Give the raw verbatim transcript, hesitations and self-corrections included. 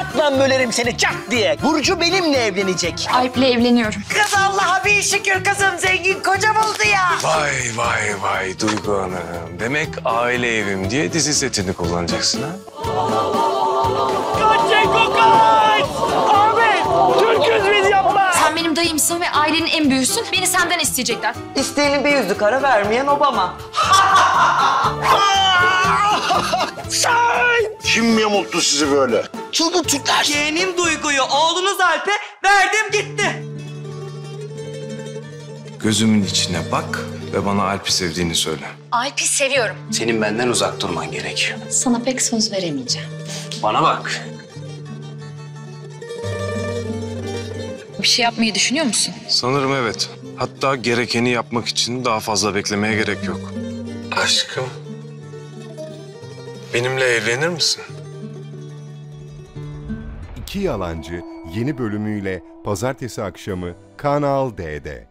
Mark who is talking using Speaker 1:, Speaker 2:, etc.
Speaker 1: Sırtlan bölerim seni çat diye. Burcu benimle evlenecek.
Speaker 2: Alp'le evleniyorum.
Speaker 3: Kız Allah'a bin şükür kızım zengin koca buldu ya.
Speaker 4: Vay vay vay Duygu Hanım. Demek aile evim diye dizi setini kullanacaksın ha?
Speaker 1: Kaç Cenko kaç! Abi Türk'üz biz yapma.
Speaker 2: Sen benim dayımsın ve ailenin en büyüğüsün. Beni senden isteyecekler.
Speaker 3: İsteyeni bir yüzlük ara vermeyen Obama.
Speaker 1: Sen!
Speaker 5: Kim yamulttu sizi böyle?
Speaker 1: Çılgın Türkler.
Speaker 3: Yeğenim Duygu'yu oğlunuz Alp'e verdim gitti.
Speaker 4: Gözümün içine bak ve bana Alp'i sevdiğini söyle.
Speaker 2: Alp'i seviyorum.
Speaker 6: Senin benden uzak durman gerekiyor.
Speaker 2: Sana pek söz veremeyeceğim.
Speaker 6: Bana bak.
Speaker 2: Bir şey yapmayı düşünüyor musun?
Speaker 4: Sanırım evet. Hatta gerekeni yapmak için daha fazla beklemeye gerek yok. Aşkım. Benimle evlenir misin?
Speaker 7: İki Yalancı yeni bölümüyle pazartesi akşamı Kanal D'de.